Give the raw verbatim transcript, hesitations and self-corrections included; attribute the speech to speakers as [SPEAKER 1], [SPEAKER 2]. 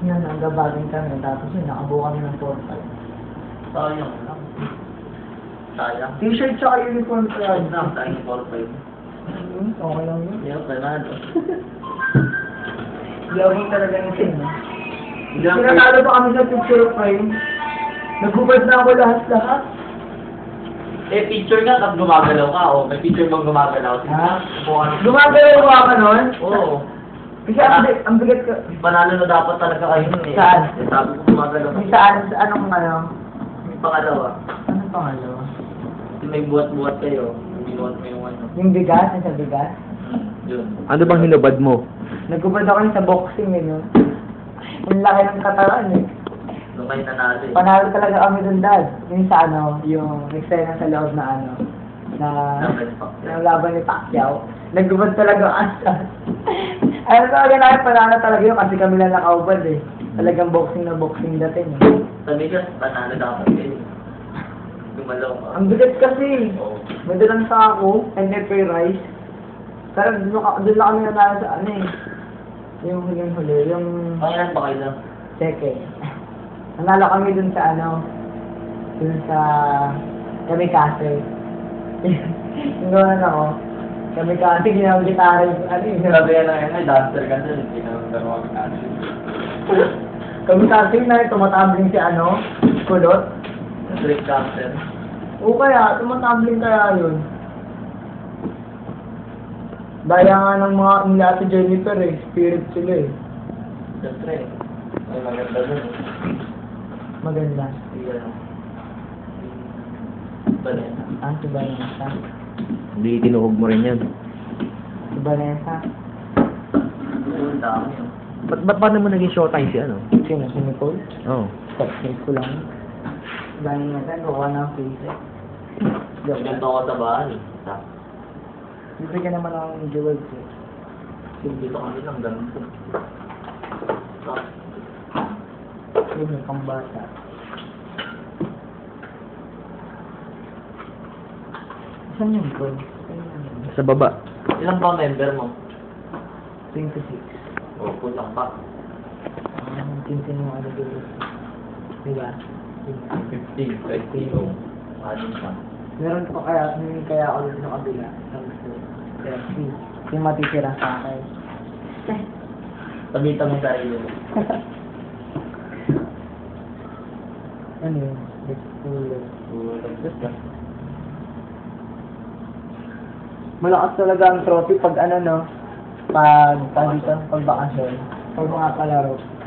[SPEAKER 1] yan, nagabagin kami, tapos yun, nakabuo kami ng four five.
[SPEAKER 2] Sayang lang. Sayang.
[SPEAKER 1] T-shirt tsaka uniform ko
[SPEAKER 2] Sayang
[SPEAKER 1] yan.
[SPEAKER 2] lang, sayang yung four five.
[SPEAKER 1] Hmm, okay lang yun.
[SPEAKER 2] Hindi ako panalo.
[SPEAKER 1] Yabang talaga yung sin, no?
[SPEAKER 2] Hindi ako
[SPEAKER 1] Pinatalo pa kami sa picture frame. Nagubad na ako lahat-lahat.
[SPEAKER 2] Eh, picture nga, tapos gumagalaw ka. O, may picture bang gumagalaw?
[SPEAKER 1] Ha?
[SPEAKER 2] Buwan.
[SPEAKER 1] Gumagalaw ko ka nun?
[SPEAKER 2] Oo.
[SPEAKER 1] Kasi ang, bi- ang bigat ko.
[SPEAKER 2] Panalo na dapat talaga kayo nun eh.
[SPEAKER 1] Saan?
[SPEAKER 2] Eh, sabi ko gumagalaw.
[SPEAKER 1] Yung saan, sa anong ano?
[SPEAKER 2] Yung pangalawa.
[SPEAKER 1] Anong pangalawa?
[SPEAKER 2] Yung may buhat-buhat kayo. Yung binuhat mo yung ano.
[SPEAKER 1] Yung bigas, yung sa bigas.
[SPEAKER 2] Yun.
[SPEAKER 3] Ano bang hinubad mo?
[SPEAKER 1] Nagubad ako yun sa boxing eh, no? Ang laki ng katawan eh.
[SPEAKER 2] Doon kayo nanalo eh.
[SPEAKER 1] Panalo talaga kami dun, Dad. Yung sa ano, yung eksena sa loob na ano, na
[SPEAKER 2] Laban pa.
[SPEAKER 1] yung laban ni Pacquiao. Nagubad talaga ang asas. Ano talaga namin, panalo talaga yun kasi kami lang nakaubad eh. Talagang boxing na boxing dating eh.
[SPEAKER 2] Sabi ka, panalo dapat kayo. Gumalaw ka.
[SPEAKER 1] Ang bigat kasi.
[SPEAKER 2] Oo.
[SPEAKER 1] May dalang sa ako, and then pay rice. Pero doon, ka- doon lang kami nanalo sa ano eh. Yung huling-huli, yung
[SPEAKER 2] Pangilan ba kayo lang?
[SPEAKER 1] second. Nanalo kami dun sa ano, dun sa Kamikaze. Yung gano'n ako. Kamikaze, ginawang gitara yung ano yun.
[SPEAKER 2] Sabi ka lang yan, ay dancer ka dun. Hindi ka nang gano'n ka.
[SPEAKER 1] Kamikaze na yun, tumatambling si ano, kulot.
[SPEAKER 2] Street dancer.
[SPEAKER 1] O kaya, tumatambling kaya yun. Daya nga ng mga nila si Jennifer eh, spirit sila eh.
[SPEAKER 2] Siyempre. Ay, maganda dun. eh.
[SPEAKER 1] Maganda.
[SPEAKER 2] Hindi ka lang. Banana.
[SPEAKER 1] Ah, si Vanessa.
[SPEAKER 3] Hindi tinuhog mo rin yan.
[SPEAKER 1] Si Vanessa.
[SPEAKER 2] Ang dami yun.
[SPEAKER 3] Ba't, ba't paano mo naging showtime si ano?
[SPEAKER 1] Sino? Si Nicole?
[SPEAKER 3] Oo.
[SPEAKER 1] Stop-snake ko lang. Vanessa, kukuha na ang face eh. Joke lang.
[SPEAKER 2] Ganito ako sa bahay. Sa
[SPEAKER 1] Bibigyan naman ako ng jewels eh.
[SPEAKER 2] dito kami lang ganito. Sa
[SPEAKER 1] Yun yung pambata. Saan yung gold?
[SPEAKER 3] Sa baba.
[SPEAKER 2] ilan ba member mo?
[SPEAKER 1] twenty-six.
[SPEAKER 2] O, kulang pa.
[SPEAKER 1] Ah, tintin mo ano dito. Diba?
[SPEAKER 2] fifteen. fifteen. O, anin pa.
[SPEAKER 1] Meron ko kaya, hindi kaya ako dito sa kabila. Tapos kaya si, yung matitira sa akin.
[SPEAKER 2] Tabita mo sarili mo.
[SPEAKER 1] Ano yun? It's cooler. Malakas talaga ang trophy pag ano no, pag pag dito, pag bakasyon, pag mga kalaro.